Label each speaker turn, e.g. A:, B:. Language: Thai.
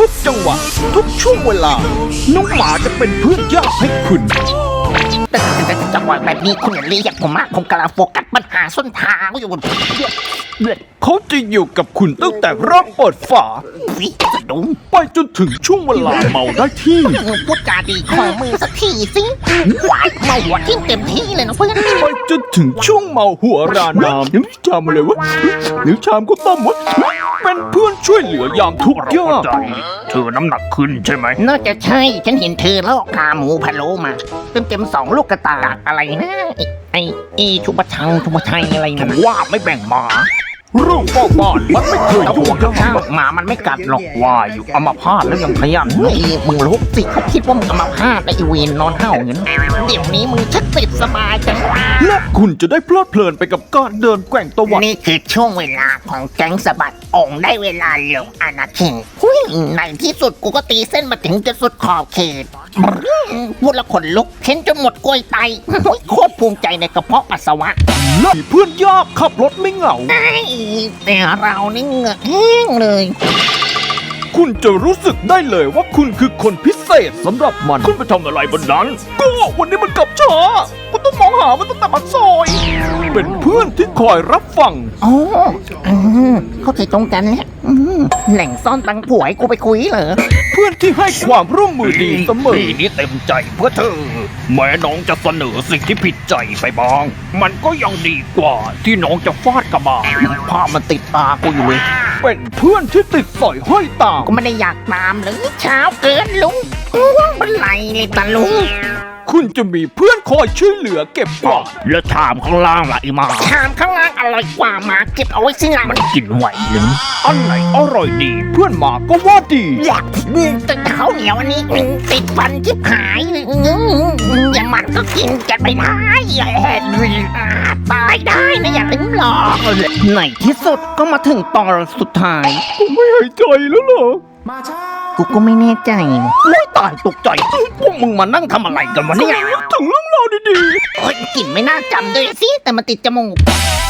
A: กจังหวะทุกช่วงเวลาน้องหมาจะเป็นเพื่อนยากให้คุณ
B: แต่จังหวะแบบนี้คุณอย่าเรียกผมมากผมกำลังโฟกัสปัญหาส้นทางอยู่
A: เขาจะอยู่กับคุณตั้งแต่เริ่มเปิดฝา
B: วิสะดุ้ง
A: ไปจนถึงช่วงเวลาเมาได้ที่
B: พูดจาดีของมือสักทีสิหวานเมาหัวทิ่มเต็มที่เลยนะเพื่อน
A: ไปจนถึงช่วงเมาหัวราน้ำยังชามอะไรวะหรือชามก็ต้มวะเป็นเพื่อนช่วยเหลือยามทุกข์ยาก
C: เธอน้ำหนักขึ้นใช่ไหม
B: น่าจะใช่ฉันเห็นเธอแล้วขาหมูพะโล้มาเต็ม2 ลูกกระตากอะไรนะไอชุบชัยอะไรนะ
C: ว่าไม่แบ่งหมา
A: เรื่องเฝ้าบ้านมันไม่เคย
B: เอา
A: ยุ่
B: หั
A: ง
B: วข้างๆหมามันไม่กัดหรอก
C: ว่าอยู่อัมพาตแล้วยังพยัน
B: เฮ้ยมึงรู้สิเขาคิดว่ามึงเอามาพาดไอเวนนอนเห่าเงินเดี๋ยวนี้มึงชักติดสบายจัง
A: และคุณจะได้เพลิดเพลินไปกับการเดินแกว่งตะวัน
B: นี่คือช่วงเวลาของแก๊งสะบัดองค์ได้เวลาลงอาณาเขตหุ้ยในที่สุดกูก็ตีเส้นมาถึงจะสุดขอบเขตพูดและขนลุกเห็นจนหมดกล้วยไตหุ้ยโคตรภูมิใจในกระเพาะปัสสาวะ
A: และเพื่อนยากขับรถไม่เหงา
B: ไอ้แต่เรานี่เหงื่อแห้งเลย
A: คุณจะรู้สึกได้เลยว่าคุณคือคนพิเศษสำหรับมัน
C: คุณไปทำอะไรบนนั้น
A: ก็วันนี้มันกลับช้าคุณต้องมองหามันตั้งแต่ปากซอย เป็นเพื่อนที่คอยรับฟัง
B: อ๋อเข้าใจตรงกันแล้วแหล่งซ่อนตังผัวให้กูไปคุยเหรอ
A: เพื่อนที่ให้ความร่วมมือดีเสมอ
C: ปีนี้เต็มใจเพื่อเธอ แม้น้องจะเสนอสิ่งที่ผิดใจไปบ้าง มันก็ยังดีกว่าที่น้องจะฟาดกระบาลภาพมันติดตากูอยู่เลย
A: เป็นเพื่อนที่ติดสอยห้อยตาม
B: ก็ไม่ได้อยากตามเลยเช้าเกินลุงเป็นไรเลยตาลุง
A: คุณจะมีเพื่อนคอยช่วยเหลือเก็บกวาด
C: แล้วชามข้างล่างล่ะไอ้หมา
B: ชามข้างล่างอร่อยกว่าหมาเก็บเอาไว้สิหลัง
C: มันกินไหวหรือ
A: อันไหนอร่อยดี เพื่อนหมาก็ว่าดี
B: อยากแต่ข้าวเหนียวอันนี้ติดฟันจิบหายอย่างมันก็กินกันไปได้ตายได้นะอย่าลืมหรอกในที่สุดก็มาถึงตอนสุดท้าย
A: ผมไม่หายใจแล้วเหรอ
B: กูก็ไม่แน่ใจ
C: ไม่ตายตกใจพวกมึงมานั่งทำอะไรกันวะเนี่ย
A: ถึงเรื่องราวดี
B: โอ้ยกลิ่นไม่น่าจำด้วยสิแต่มันติดจมูก